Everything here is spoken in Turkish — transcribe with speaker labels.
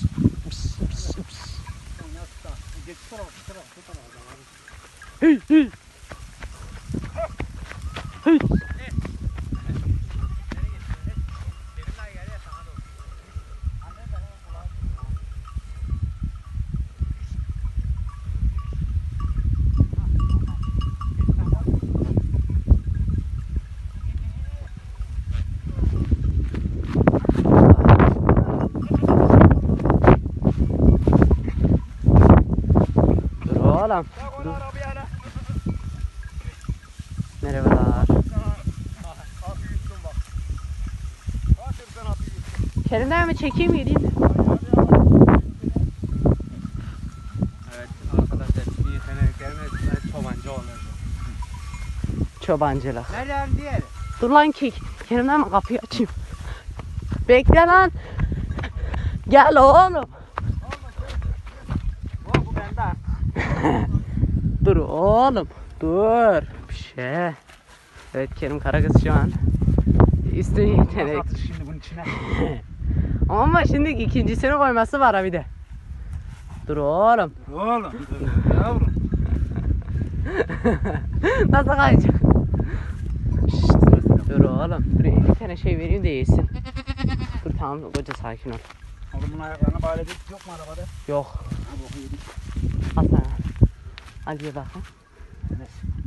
Speaker 1: Hey hey. Hey. Oğlum. Merhabalar. Kerim'den mi çekeyim geleyim?
Speaker 2: Evet arkadaşlar bir sene gelmezse çobancı olacak.
Speaker 1: Çobancılık.
Speaker 2: Nereden diğeri?
Speaker 1: Dur lan ki Kerim'den mi kapıyı açayım? Bekle lan. Gel oğlum.
Speaker 2: Bu bende.
Speaker 1: Dur oğlum. Dur. Bir şey. Evet Kerim Karagöz şu an üstün yetenek.
Speaker 2: Nasıl atır şimdi bunun içine?
Speaker 1: Ama şimdi ikincisini koyması var ha bir de. Dur oğlum.
Speaker 2: Oğlum yavrum.
Speaker 1: Nasıl kayacak? Şşt, dur oğlum. Dur bir tane şey vereyim de yesin. Dur tamam koca sakin ol.
Speaker 2: Oğlum bunun ayaklarına bağladık yok mu arabada?
Speaker 1: Yok.
Speaker 2: Ha boku yedik.
Speaker 1: Al sana. Al ye bakın.
Speaker 2: Neyse.